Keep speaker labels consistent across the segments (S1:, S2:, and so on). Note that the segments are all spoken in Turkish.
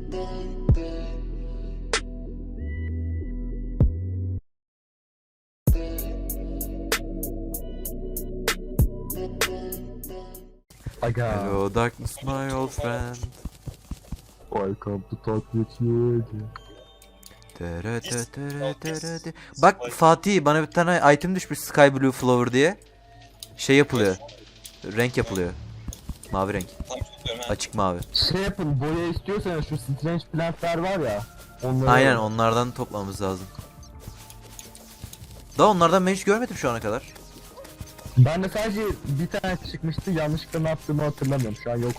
S1: Aga.
S2: Hello darkness my old friend.
S1: I come to talk with you again.
S2: Bak Fatih, bana bir tane item düşmüş, Sky Blue Flower diye. Şey yapılıyor. Renk yapılıyor. Mavi renk. Açık mavi.
S1: Şey yapın, boya istiyorsanız şu strange plantler var ya. Onları
S2: Aynen, onlardan toplamamız lazım. Daha onlardan ben hiç görmedim şu ana kadar.
S1: Ben de sadece bir tane çıkmıştı, yanlışlıkla ne yaptığımı hatırlamıyorum, şu an yok.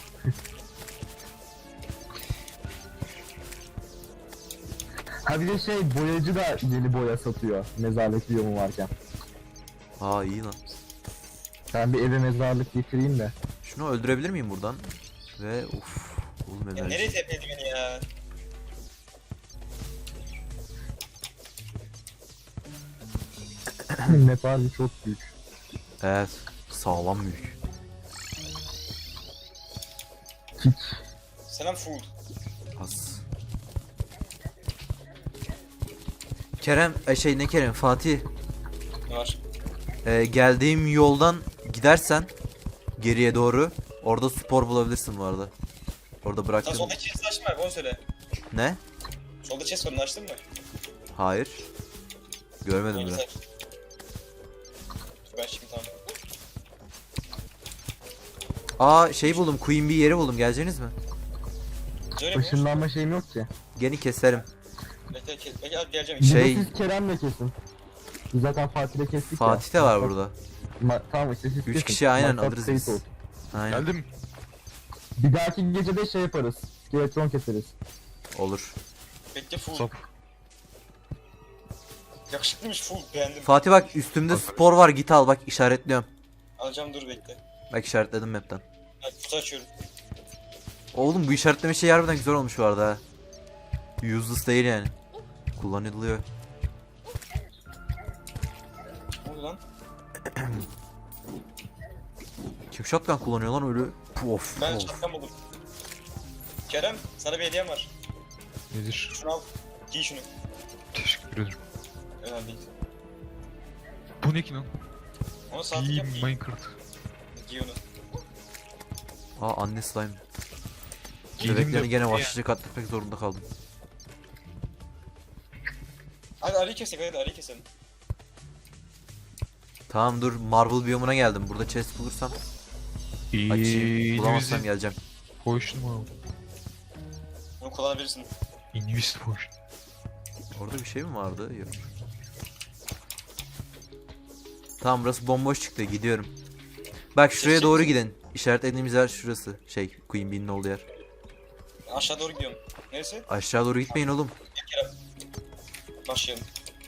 S1: Ha bir de şey, boyacı da yeni boya satıyor mezarlık biyomu varken.
S2: Aa, iyi lan.
S1: Ben bir eve mezarlık getireyim de.
S2: Şunu öldürebilir miyim buradan? Ve uff. Oğlum
S3: Ya nereye tepeledi beni ya?
S1: Nepal çok büyük.
S2: Evet. Sağlam büyük.
S1: Hiç.
S3: Selam fool.
S2: Az. Kerem, ne Kerem, Fatih.
S3: Ne var?
S2: Geldiğim yoldan gidersen geriye doğru, orada spor bulabilirsin bu arada. Orada
S3: Sen
S2: bıraktım.
S3: solda chest açtın mı abi, onu söyle.
S2: Ne?
S3: Solda chest var, onu açtın mı?
S2: Hayır. Görmedim
S3: Onu
S2: bile.
S3: güzel. Ben şimdi tamam.
S2: Aa, şey buldum, Queen Bee yeri buldum, geleceğiniz mi?
S3: Söyle bu.
S1: Işınlanma şeyim yok ki.
S2: Geni keserim.
S3: Bekle abi, geleceğim.
S2: Şey-
S1: Bunu siz Kerem'le kesin. Biz zaten Fatih'le kestik ya.
S2: Fatih de var burada.
S1: Tamam işte siz
S2: 3
S1: kesin.
S2: kişi aynen
S1: Maksat
S2: alırız
S1: kayıt
S2: biz.
S1: olsun.
S2: Aynen.
S4: Geldim.
S1: Bir dahaki gece de şey yaparız. Skeletron keseriz.
S2: Olur.
S3: Bekle fool.
S4: Sap.
S3: Yakışıklıymış fool, beğendim.
S2: Fatih bak, üstümde spor var, git al, bak işaretliyorum.
S3: Alacağım, dur bekle.
S2: Bak işaretledim map'ten.
S3: Hadi kutu açıyorum.
S2: Oğlum bu işaretleme şey harbiden güzel olmuş bu arada ha. Useless değil yani. Kullanılıyor.
S3: Ne oldu lan?
S2: Kim shotgun kullanıyor lan öyle? Of
S3: Ben
S2: of.
S3: şapkan buldum. Kerem, sana bir hediyem var.
S4: Nedir?
S3: Şunu al. Giy şunu.
S4: Teşekkür ederim.
S3: Önemli değil.
S4: Bu ne ki lan?
S3: Onu saatlik
S4: İyi
S3: yap, giy.
S4: Minecraft.
S3: Giy onu.
S2: Aa, anne slime.
S4: Giydim
S2: Bebeklerini
S4: de-
S2: gene başlıca katletmek zorunda kaldım.
S3: Hadi arayı kesek, hadi arayı keselim.
S2: Tamam dur, Marble biyomuna geldim. Burada chest bulursam açayım. Bulamazsam geleceğim.
S4: Potion mu abi?
S3: Bunu kullanabilirsin.
S4: Invisible potion.
S2: Orada bir şey mi vardı? Yok. Tamam, burası bomboş çıktı, gidiyorum. Bak şuraya doğru gidin. İşaretlediğimiz yer şurası. Şey, Queen Bee'nin olduğu yer.
S3: Aşağı doğru gidiyorum. Neresi?
S2: Aşağı doğru gitmeyin oğlum.
S3: Gel Kerem. Başlayalım.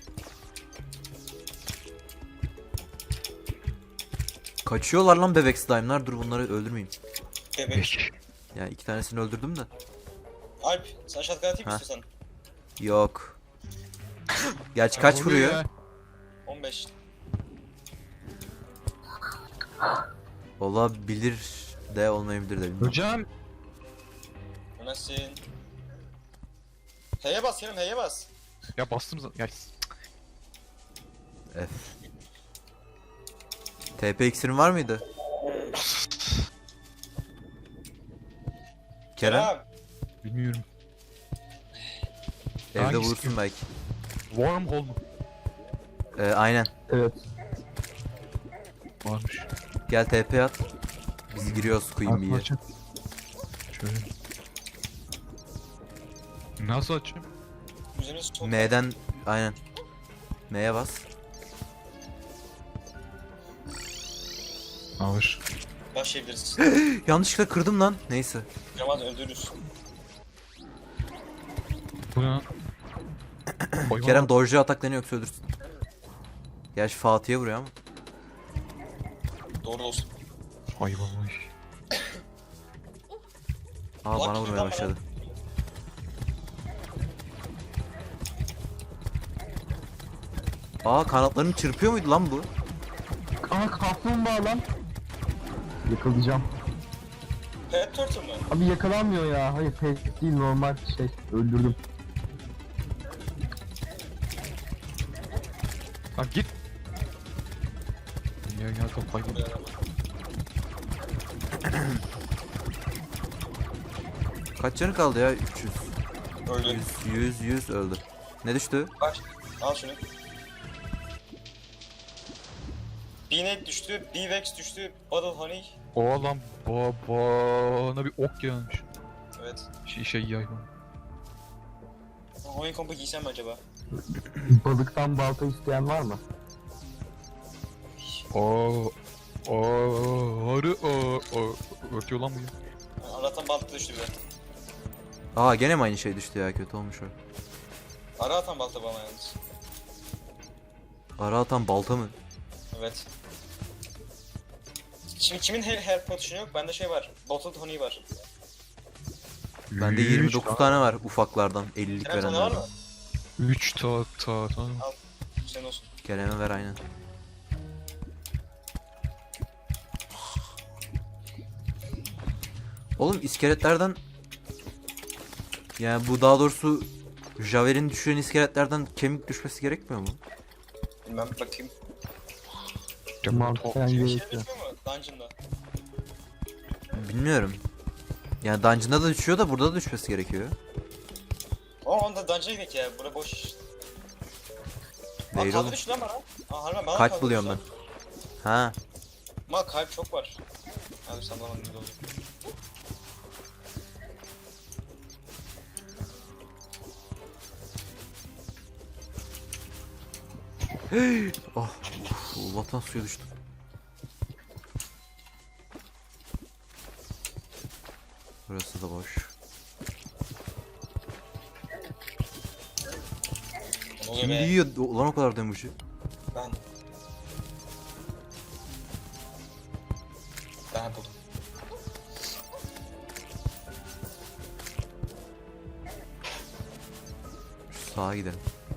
S2: Kaçıyorlar lan bebek slime'lar. Dur, bunları öldürmeyeyim.
S3: Bebek.
S4: Peki.
S2: Yani 2 tanesini öldürdüm de.
S3: Alp, sen shotgun atayım
S2: Ha.
S3: istiyorsan.
S2: Yok. Gerçi kaç
S4: Oluyor
S2: vuruyor?
S4: ya.
S3: 15.
S2: Olabilir de olmayabilir de bilmiyorum.
S4: Hocam.
S3: Ömersin. H'ye bas Kerem, H'ye bas.
S4: Ya bastım zaten. Ya.
S2: F. TP iksirin var mıydı? Kerem,
S4: Bilmiyorum.
S2: evde
S4: Hangisi
S2: bulursun
S4: ki?
S2: belki.
S4: Wormhole mu?
S2: Aynen.
S1: Evet.
S4: Varmış.
S2: Gel TP at. Biz giriyoruz Queen Bee'ye.
S4: Açın. Şöyle. Nasıl açayım?
S3: Üzerine sol.
S2: M'den aynen. M'ye bas.
S4: Alır.
S3: Başlayabiliriz.
S2: Yanlışlıkla kırdım lan. Neyse.
S3: Kerem öldürürüz.
S4: Bu ne lan? Hayvan
S2: Kerem
S4: var.
S2: dodge'e ataklanıyor yoksa ölürsün. Gerçi Fatih'e vuruyor ama.
S3: Doğru olsun.
S4: Hayvan var.
S2: Aa,
S3: Ulan
S2: bana vurmaya
S3: şuradan
S2: başladı. Aa, kanatlarını çırpıyor muydu lan bu?
S1: Aa, kaplumbağa lan. Yakalayacağım.
S3: Pet turtle mu?
S1: Abi yakalanmıyor ya. Hayır pek değil, normal şey. Öldürdüm.
S4: Lan git. Ya top hayvan.
S2: Kaç canı kaldı ya? 300.
S3: Öldü.
S2: 100 öldü. Ne düştü?
S3: Bak. Al şunu. Beanek düştü, Beevex düştü, Bottle Honey.
S4: O lan bana bir ok gelmiş.
S3: Evet.
S4: Şey hayvan.
S3: Honey kompu giysem mi acaba?
S1: Balıktan balta isteyen var mı?
S4: Arı ötüyor lan bu ya.
S3: Aratan balta düştü bir de.
S2: Aa gene mi aynı şey düştü ya, kötü olmuş o.
S3: Ara atan balta bana yalnız.
S2: Ara atan balta mı?
S3: Evet. Şimdi kimin her potion yok? Bende şey var. Bottled Honey var.
S2: Bende 29 tane var ufaklardan 50'lik
S3: Kerem sana var
S2: verenlerden.
S3: mı?
S4: 3 tamam.
S3: Senin olsun.
S2: Kerem'e ver aynen. Oğlum iskeletlerden, yani bu daha doğrusu Javelin düşüren iskeletlerden kemik düşmesi gerekmiyor mu?
S3: Bilmem bakayım.
S1: Mantıken
S3: Şey
S1: gerekiyor.
S3: düşüyor mu? Dungeon'da.
S2: Bilmiyorum. Yani dungeon'da da düşüyor da burada da düşmesi gerekiyor.
S3: Ama onda dungeon'a gidelim ya. Bura boş iş. Aa
S2: Değil
S3: kaldı
S2: oğlum.
S3: düştü lan bana. Aa harbiden bana
S2: Kalp
S3: kaldı
S2: buluyorum ben.
S3: düştü
S2: Ha.
S3: lan. Ama kalp çok var. Hadi sallamadım bir oldu.
S2: Oh. Allah'tan suya düştüm. Burası da boş.
S3: Ne oluyor
S2: Kim
S3: be?
S2: yiyor ulan o kadar demucu?
S3: Ben. Ben buldum.
S2: Şu sağa gidelim.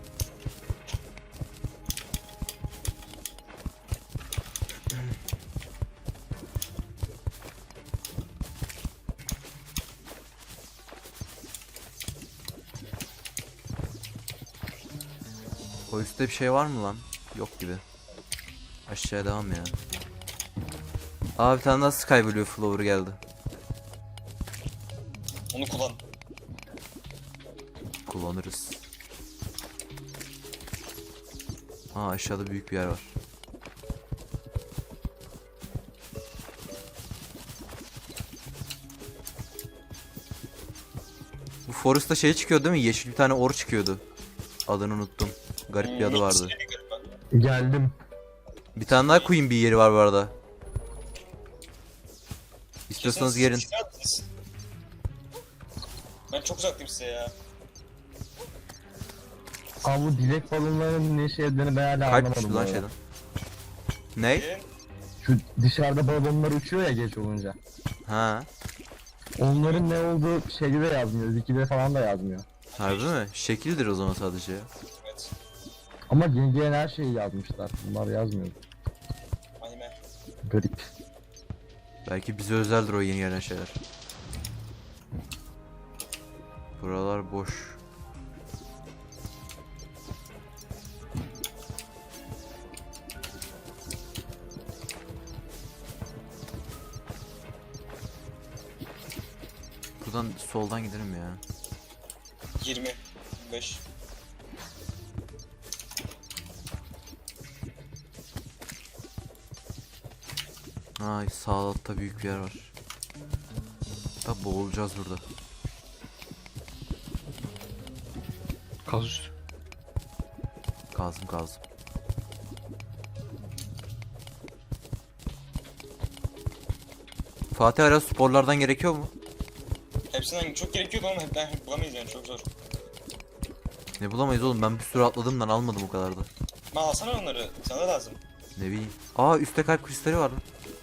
S2: O üstte bir şey var mı lan? Yok gibi. Aşağıya devam ya. Aa bir tane daha Sky Blue Flower geldi.
S3: Onu kullan.
S2: Kullanırız. Aa aşağıda büyük bir yer var. Bu Forest'ta şey çıkıyor değil mi? Yeşil bir tane or çıkıyordu. Adını unuttum. Garip bir adı vardı.
S1: Geldim.
S2: Bir tane daha Queen bir yeri var bu arada. İstiyorsanız gelin.
S3: Ben çok uzaktayım size ya.
S1: Abi bu dilek balonlarının ne şey dediğini ben hala
S2: Kalp
S1: anlamadım.
S2: düştü
S1: bu
S2: lan
S1: arada.
S2: şeyden. Ne?
S3: Gelin.
S1: Şu dışarıda balonlar uçuyor ya geç olunca.
S2: Ha.
S1: Onların ne olduğu şeyde de yazmıyor. Wiki'de falan da yazmıyor.
S2: Harbi mi? Şekildir o zaman sadece ya.
S3: Evet.
S1: Ama yengeyen her şeyi yazmışlar. Bunlar yazmıyor.
S3: Anime.
S1: Garip.
S2: Belki bize özeldir o yeni gelen şeyler. Buralar boş. Buradan soldan gidelim ya.
S3: 20. 25.
S2: Ay sağ altta büyük bir yer var. Da boğulacağız burada.
S4: Kaz üstü.
S2: Kazdım kazdım. Fatih ara sporlardan gerekiyor mu?
S3: Hepsinden çok gerekiyordu ama ben bulamayız yani çok zor.
S2: Ne bulamayız oğlum, ben bir sürü atladımdan almadım o kadar da.
S3: Ma alsana onları. Sana lazım.
S2: Ne bileyim. Aa üstte kalp kristali var lan.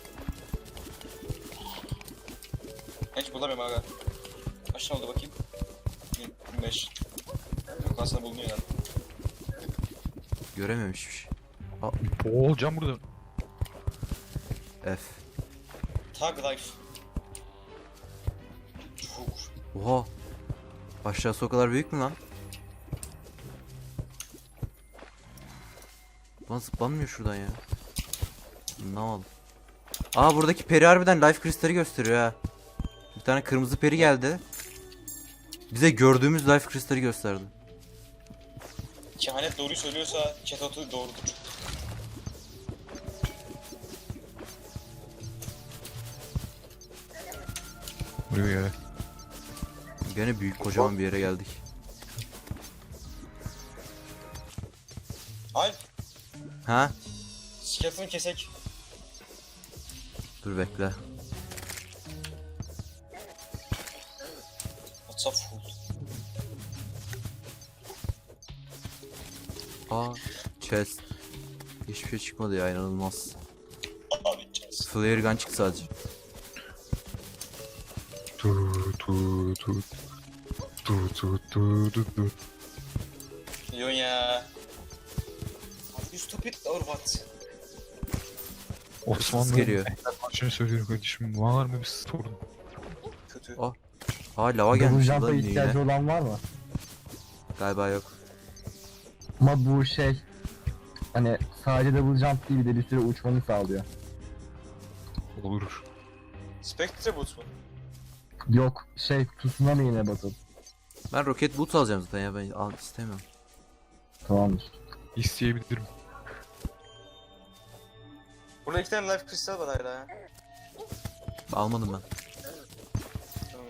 S3: Hiç bulamıyorum aga. Kaç tane oldu bakayım? 25. Yok aslında bulunuyor yani.
S2: Göremiyorum hiçbir şey.
S4: Boğulacağım burada.
S2: F.
S3: Tag life.
S2: Oha. Aşağısı o kadar büyük mü lan? Lan zıplanmıyor şuradan ya. Ne oldu? Aa, buradaki peri harbiden life kristali gösteriyor ha. Bir tane kırmızı peri geldi. Bize gördüğümüz life kristali gösterdi.
S3: Kehanet doğruyu söylüyorsa Ketot'u doğrudur.
S4: Buraya ya.
S2: Gene büyük kocaman bir yere geldik.
S3: Alp,
S2: Ha?
S3: Skeleton'u kesek.
S2: Dur bekle.
S3: What's up fool?
S2: Aa, chest. Hiçbir şey çıkmadı ya, inanılmaz.
S3: Abi gideceğiz.
S2: Flare gun çıktı sadece.
S4: Tu tu tu. Tu tu tu tu tu.
S3: Milyon ya. Are you stupid or what?
S4: Osmanlı
S2: Ses geliyor.
S4: maçını söylüyorum kardeşim. Var mı bir sorun?
S3: Kötü.
S2: Oh. Aa, lava
S1: Double
S2: gelmiş
S1: jump'a
S2: lan
S1: ihtiyacı
S2: yine.
S1: olan var mı?
S2: Galiba yok.
S1: Ama bu şey hani sadece double jump değil, bir de bir süre uçmanı sağlıyor.
S4: Olur.
S3: Spectre boot mu?
S1: Yok şey, tsunami yine basıp.
S2: Ben roket boot alacağım zaten ya, ben istemiyorum.
S1: Tamamdır.
S4: İsteyebilirim.
S3: Burada 2 tane life kristal var hala ya.
S2: Almadım ben.
S3: Tamam.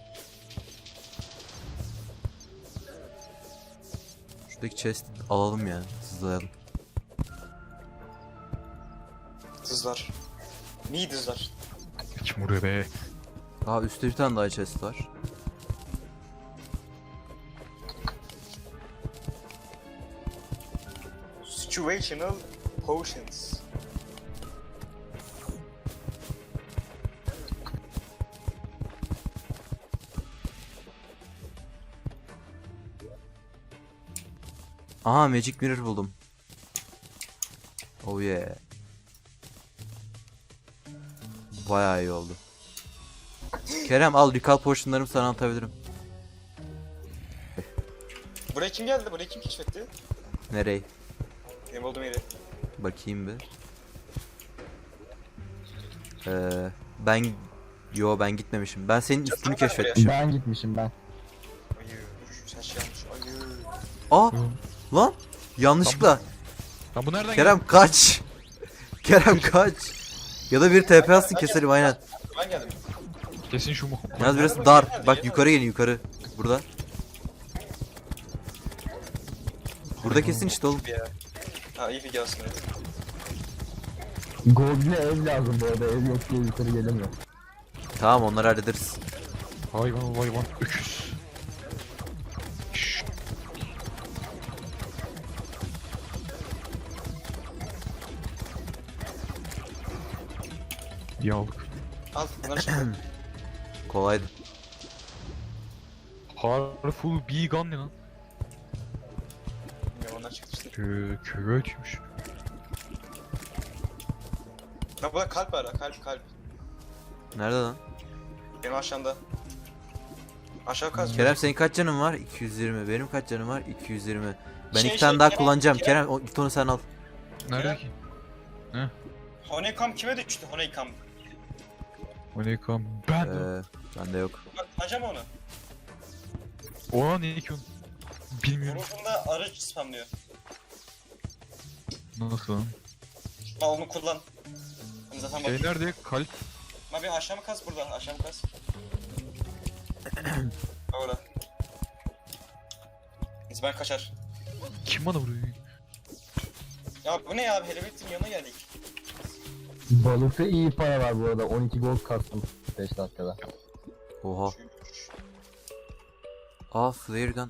S2: Şuradaki chest alalım ya. Hızlayalım.
S3: Dızlar. Niye dızlar?
S4: Kim buraya be?
S2: Aa, üstte bir tane daha chest var.
S3: Situational potions.
S2: Aha, magic mirror buldum. Oh yeah. Bayağı iyi oldu. Kerem al, recall potionlarımı sana atabilirim.
S3: Buraya kim geldi? Burayı kim keşfetti?
S2: Nereye?
S3: Benim olduğum yeri.
S2: Bakayım bir. Ben... Yo, ben gitmemişim. Ben senin üstünü
S3: Çatıda
S2: keşfetmişim.
S1: Ben gitmişim ben.
S3: Ayı. Sen şey yanlış. Ayı.
S2: Aa! Lan! Yanlışlıkla.
S4: Lan bu nereden
S2: Kerem kaç! Kerem kaç! Ya da bir TP atsın, keselim aynen.
S3: Ben geldim.
S4: geldi? Kesin şu mu?
S2: Yalnız biraz dar. Bak yukarı gelin, yukarı. Burada. Burada kesin işte oğlum.
S3: Bir ya. Ha iyi fikir aslında.
S1: Goblin'e ev lazım bu arada, ev yok diye yukarı gelemiyor.
S2: Tamam, onları hallederiz.
S4: Hayvan hayvan öküz. Şşş. Yavuk.
S3: Al bunları çıkar.
S2: Kolaydı.
S4: Powerful bee gun ne lan?
S3: Bilmiyorum onlar çıktı işte.
S4: Kötüymüş.
S3: Ha burada kalp var ha, kalp.
S2: Nerede lan?
S3: Benim aşağımda. Aşağı kaz.
S2: Kerem, senin kaç canın var? 220. Benim kaç canım var? 220. Ben
S3: Şey,
S2: iki tane daha
S3: Kerem,
S2: kullanacağım.
S3: Kerem.
S2: Kerem, git onu sen al.
S4: Nerede ki?
S3: Honeycomb kime düştü? Honeycomb.
S4: O ne kan? Ben.
S2: Bende yok.
S3: Bak acaba onu.
S4: Oha ne ki onu? Bilmiyorum.
S3: Yorulduğunda arı spamlıyor.
S4: Nasıl lan?
S3: Al onu kullan. Hani zaten bak.
S4: Şey nerede? Kalp.
S3: Abi aşağı mı kaz burada? Aşağı mı kaz? Orada. Neyse ben kaçar.
S4: Kim bana vuruyor?
S3: Ya bu ne ya abi? Helvetin yanına geldik.
S1: Balıkta iyi para var bu arada, 12 gold kastım 5 dakikada.
S2: Oha. Aa, flare gun.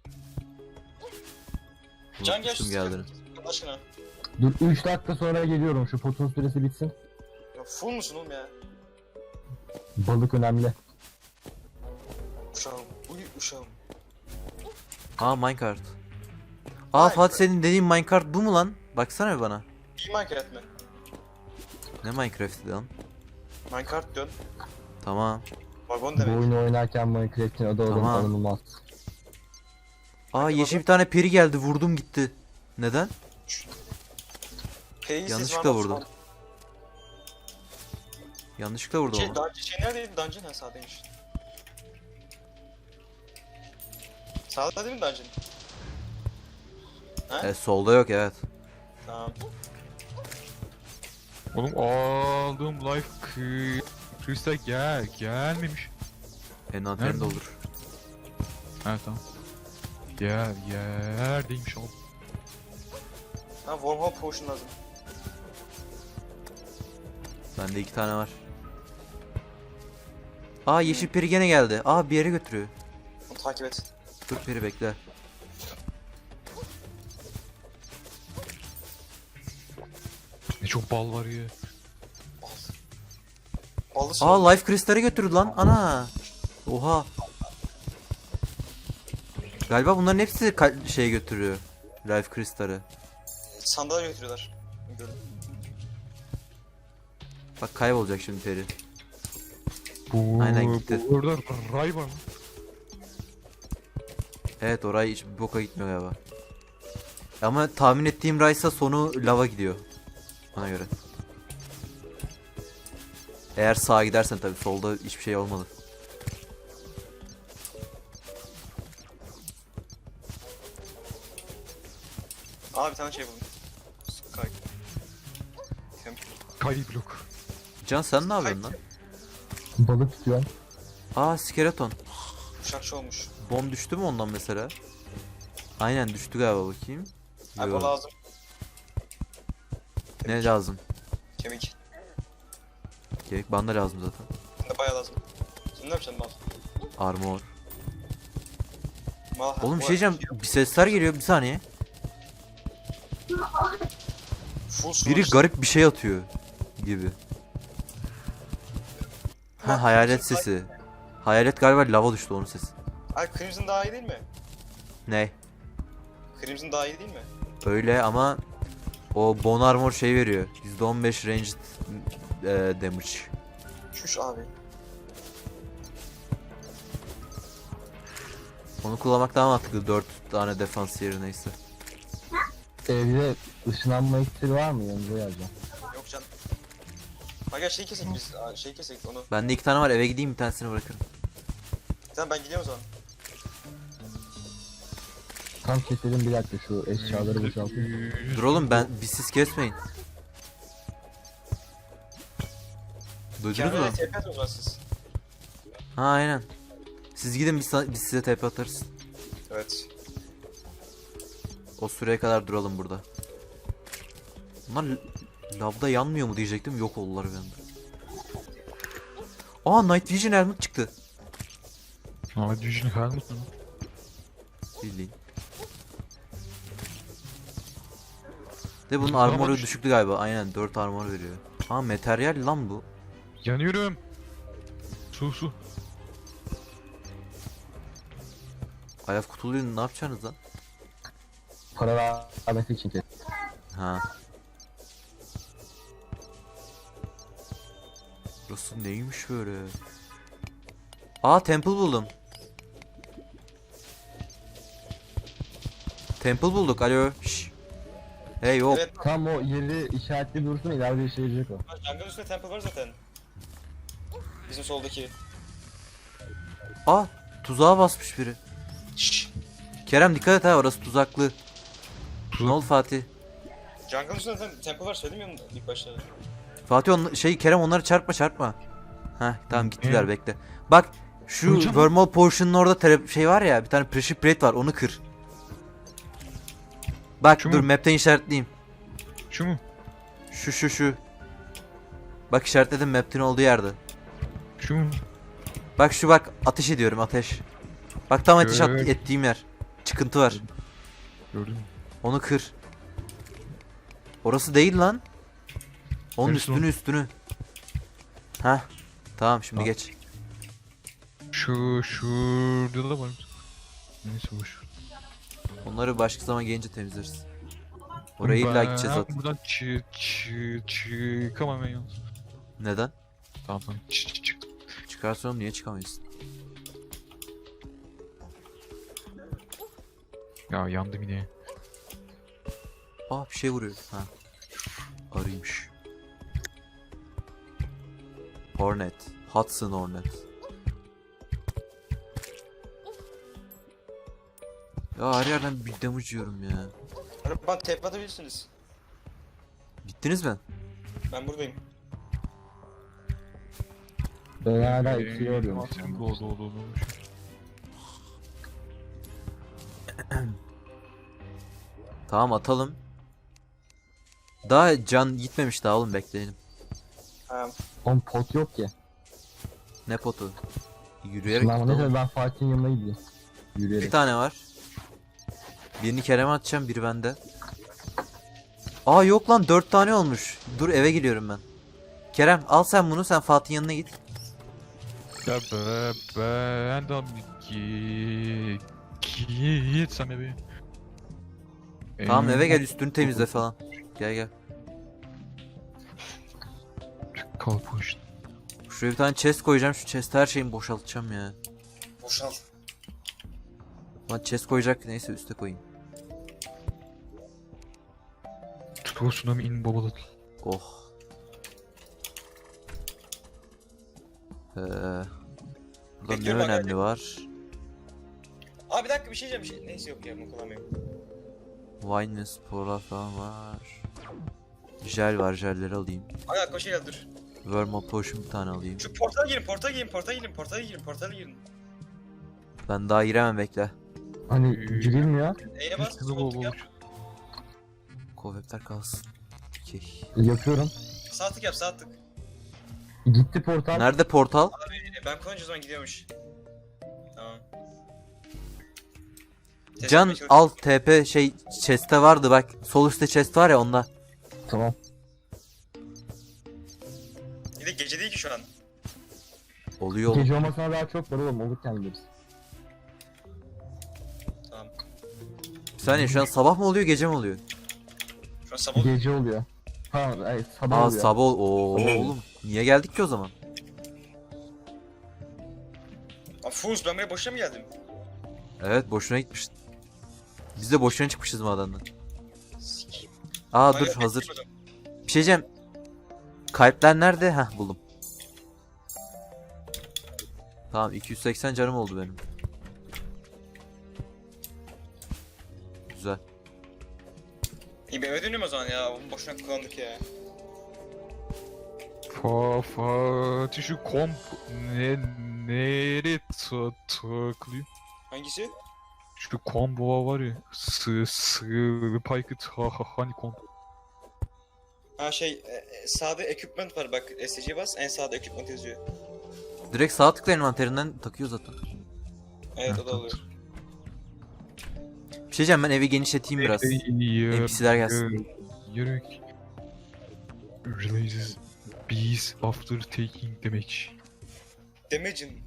S3: Can gel
S2: Unutmuştum geldiğini.
S3: Allah aşkına.
S1: Dur 3 dakika sonra geliyorum, şu potun süresi bitsin.
S3: Ya full musun oğlum ya?
S1: Balık önemli.
S3: Uşağım. Uy uşağım.
S2: Aa, minecart. Aa, Fatih, senin dediğin minecart bu mu lan? Baksana bir bana.
S3: İyi Minecraft mi?
S2: Ne Minecraft'ti lan?
S3: Minecraft dön.
S2: Tamam.
S3: Vagon
S1: Bu
S3: demek.
S1: oyunu oynarken Minecraft'in adı
S2: Tamam.
S1: alınmaz.
S2: Aa yeşil bir tane peri geldi, vurdum gitti. Neden?
S3: P'yi siz
S2: Yanlışlıkla
S3: var mı?
S2: vurdum. Yanlışlıkla vurdum ama.
S3: Şey neredeydi? Dungeon ha sağdaymış. Sağda değil mi dungeon? Ha?
S2: Solda yok, evet.
S3: Tamam.
S4: Oğlum aldım life kristal gelmemiş.
S2: Envanterin
S4: Nerede?
S2: de olur.
S4: Ha tamam. Yerdeymiş oğlum.
S3: Ha wormhole potion lazım.
S2: Bende 2 tane var. Aa yeşil peri gene geldi. Aa bir yere götürüyor.
S3: Onu takip et.
S2: Dur peri bekle.
S4: Ne çok bal var ya.
S3: Bal. Ballı soğuk.
S2: Aa life kristali götürdü lan. Ana. Oha. Galiba bunların hepsi şey götürüyor. Life kristali.
S3: Sandığa götürüyorlar. Gördüm.
S2: Bak kaybolacak şimdi peri.
S4: Bu,
S2: Aynen gitti.
S4: Bu orada ray var mı?
S2: Evet orayı hiç bir boka gitmiyor galiba. Ama tahmin ettiğim Rice'a sonu lava gidiyor. Ona göre. Eğer sağa gidersen tabii, solda hiçbir şey olmadı.
S3: Aa bir tane şey buldum. Sky. Temple.
S4: Kay blok.
S2: Can sen ne yapıyorsun lan?
S1: Balık tutuyorum.
S2: Aa skeleton.
S3: Uçakçı olmuş.
S2: Bom düştü mü ondan mesela? Aynen düştü galiba, bakayım.
S3: Ay
S2: Yo.
S3: bu lazım.
S2: Ne lazım?
S3: Kemik.
S2: Gerek bana da lazım zaten.
S3: Bende bayağı lazım. Sen ne yapacaksın mal?
S2: Armor.
S3: Mal
S2: Oğlum bir şey diyeceğim. Bir sesler geliyor, bir saniye.
S3: Full su
S2: Biri
S3: var.
S2: garip bir şey atıyor gibi. Ha hayalet sesi. Hayalet galiba lava düştü, onun sesi.
S3: Ay Crimson daha iyi değil mi?
S2: Ne?
S3: Crimson daha iyi değil mi?
S2: Öyle ama o bone armor şey veriyor. %15 ranged damage.
S3: Şuş abi.
S2: Onu kullanmak daha mantıklı, 4 tane defans yerine neyse.
S1: Evde ışınlanma iksiri var mı, yanınıza yazacağım.
S3: Yok can. Ha gel şey kesek biz. Aa, şey kesek onu.
S2: Bende 2 tane var, eve gideyim bir tanesini bırakırım.
S3: Tamam ben gidiyorum o zaman.
S1: Tam keselim, bir dakika şu eşyaları boşaltayım.
S2: Dur oğlum, biz siz kesmeyin. Duydunuz mu?
S3: Kendine TP atın o zaman siz.
S2: Ha aynen. Siz gidin, biz size TP atarız.
S3: Evet.
S2: O süreye kadar duralım burada. Bunlar lavda yanmıyor mu diyecektim, yok oldular bir anda. Aa Night Vision helmet çıktı.
S4: Aa Dijon helmet mi?
S2: Bildiğin. De bunun
S4: Tamam,
S2: armoru
S4: işte.
S2: düşüktü galiba. Aynen 4 armor veriyor. Ha materyal lan bu.
S4: Yanıyorum. Su.
S2: Ayaf kutuluyu ne yapacaksınız lan?
S1: Para vermesi için kes.
S2: Ha. Burası neymiş böyle? Aa temple buldum. Temple bulduk. Alo. Şş. Hey hop.
S3: Evet.
S1: Tam o yeri işaretli dursun, ileride işe yarayacak o.
S3: Jungle üstünde temple var zaten. Bizim soldaki.
S2: Aa tuzağa basmış biri.
S3: Şşş.
S2: Kerem dikkat et ha, orası tuzaklı. Ne oldu Fatih?
S3: Jungle üstünde temple var söylemiyor musun ilk başta?
S2: Fatih Kerem onları çarpma. Heh tamam gittiler, bekle. Bak şu
S4: Hocam.
S2: Wormhole Potion'un orada şey var ya, bir tane Pressure Plate var, onu kır. Bak
S4: Şu
S2: dur
S4: mu?
S2: map'ten işaretleyeyim.
S4: Şu mu?
S2: Şu. Bak işaretledim map'in olduğu yerde.
S4: Şu mu?
S2: Bak şu, bak ateş ediyorum, ateş. Bak tam ateş
S4: Evet.
S2: ettiğim yer. Çıkıntı var.
S4: Gördün mü?
S2: Onu kır. Orası değil lan. Onun
S4: Neresi
S2: üstünü. Heh. Tamam şimdi
S4: Tamam.
S2: geç.
S4: Şurada da var. Neyse boş.
S2: Onları başka zaman gelince temizleriz. Oraya illa gideceğiz zaten.
S4: Buradan çıkamam ben yalnız.
S2: Neden?
S4: Tamam. Çık.
S2: Çıkarsa oğlum niye çıkamayız?
S4: Ya yandım yine.
S2: Bir şey vuruyor. Ha. Arıymış. Hornet. Hudson Hornet. Ya her yerden bir damage yiyorum ya.
S3: Araban tep atabilirsiniz.
S2: Gittiniz mi?
S3: Ben buradayım.
S1: Ben hala 2'ye arıyorum.
S4: Atayım, doğdu.
S2: Tamam atalım. Daha can gitmemiş daha oğlum bekleyelim.
S3: Ha,
S1: Oğlum pot yok ki.
S2: Ne potu? Yürüyerek
S1: Lan
S2: tutalım.
S1: neyse ben Fatih'in yanına gideyim.
S2: Bir
S1: Yürüyerek.
S2: tane var. Birini Kerem'e atacağım, biri bende. Yok lan 4 tane olmuş. Dur eve gidiyorum ben. Kerem al sen bunu, sen Fatih'in yanına git.
S4: Ya ben de git sen eve.
S2: Tamam eve gel, üstünü temizle falan. Gel.
S4: Kalkmış.
S2: Şuraya bir tane chest koyacağım, şu chest'e her şeyimi boşaltacağım ya.
S3: boşal.
S2: Lan chest koyacak, neyse üste koyayım.
S4: Tsunami in babalı.
S2: Oh. Burada ne
S3: Bekliyorum
S2: önemli
S3: arkadaşlar.
S2: var?
S3: Aa bir dakika bir şey diyeceğim. Neyse yok ya bunu kullanmıyorum.
S2: Wine ve sporlar falan var. Jel var, jelleri alayım.
S3: Aga koş gel dur.
S2: Vermal potion bir tane alayım.
S3: Şu portala girin.
S2: Ben daha giremem, bekle.
S1: Hani girilmiyor.
S3: E'ye bas.
S4: Hızlı
S3: Sol tık yap.
S2: Kovepler kalsın. Okey.
S1: Yapıyorum.
S3: Sağ tık yap sağ tık.
S1: Gitti portal.
S2: Nerede portal?
S3: Ben konunca o zaman gidiyormuş. Tamam. Test
S2: Can
S3: etmeye çalış-
S2: al TP chest'te vardı bak. Sol üstte chest var ya, onda.
S1: Tamam.
S3: Bir de gece değil ki şu an.
S2: Oluyor oğlum.
S1: Gece olmasına daha çok var oğlum. Olurken gideriz.
S3: Tamam.
S2: Bir saniye, şu an sabah mı oluyor gece mi oluyor?
S3: Şu an sabah oluyor.
S1: Gece oluyor. Tamam sabah oluyor.
S2: Sabah oğlum. Niye geldik ki o zaman?
S3: Aa Fuz ben buraya boşuna mı geldim?
S2: Evet boşuna gitmiştin. Biz de boşuna çıkmışız madenden.
S3: Sikeyim.
S2: Dur
S3: Aga,
S2: hazır.
S3: beklemedim.
S2: Bir şey diyeceğim. Kalpler nerede? Heh buldum. Tamam 280 canım oldu benim. Güzel.
S3: İyi ben eve dönüyorum o zaman ya. Bunu boşuna kullandık ya.
S4: Fatih şu komp nereye takılıyor?
S3: Hangisi?
S4: Şu combo var ya. Spike hani komp.
S3: Ha sağda equipment var bak. SC'ye bas en sağda equipment yazıyor.
S2: Direkt sağ tıkla envanterinden takıyor zaten.
S3: Evet o da oluyor.
S2: Bir şey diyeceğim, ben evi genişleteyim biraz. NPC'ler gelsin.
S4: Yürek. Releases bees after taking damage.
S3: Damage'in.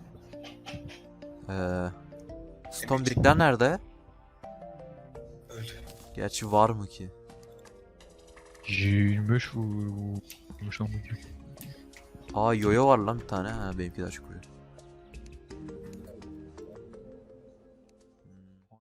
S2: Stone brickler nerede?
S3: Öldü.
S2: Gerçi var mı ki?
S4: 25 vurmuş lan bu.
S2: Yoyo var lan bir tane. Benimki de açık oluyor.